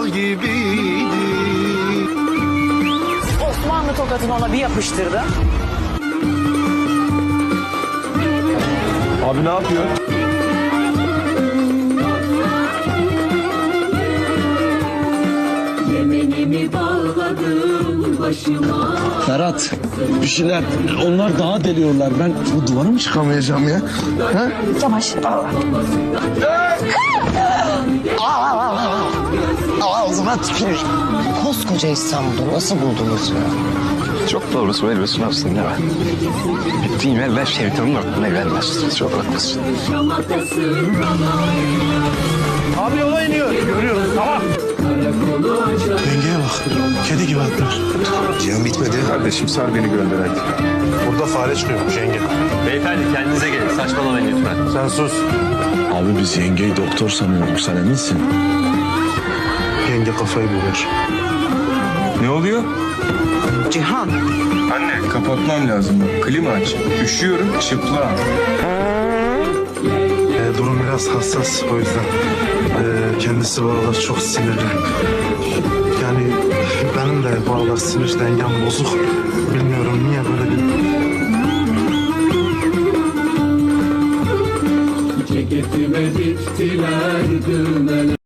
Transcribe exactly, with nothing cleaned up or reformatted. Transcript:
bal gibiydi. Osmanlı tokatını ona bir yapıştırdı. Abi ne yapıyor? Yemenimi bağladım başıma. Ferhat, bir şeyler, onlar daha deliyorlar. Ben bu duvara mı çıkamayacağım ya? Ha? Yavaş. Ağzına tüküreyim. Koskoca İstanbul'u nasıl buldunuz ya? Çok doğru söylüyorsun aslında. Bittiğim yerler şeytanın aklına gelmez. Çok haklısın. Abi yola iniyor. Görüyoruz, tamam. Yengeye bak. Kedi gibi atlar. Cihan bitmedi. Kardeşim sar beni gönder hadi. Burada fare çıkıyormuş yenge. Beyefendi kendinize gelin. Saçmalamayın lütfen. Sen sus. Abi biz yengeyi doktor sanıyorduk. Sen eminsin? Yenge kafayı bulur. Ne oluyor? Cihan. Anne kapatmam lazım. Klima aç. Üşüyorum çıplağım. Ee, durum biraz hassas o yüzden. Ee, kendisi bu aralar çok sinirli. Yani benim de bu aralar sinir dengem bozuk. Bilmiyorum niye böyle bir... Ceketime diktiler düğmeler.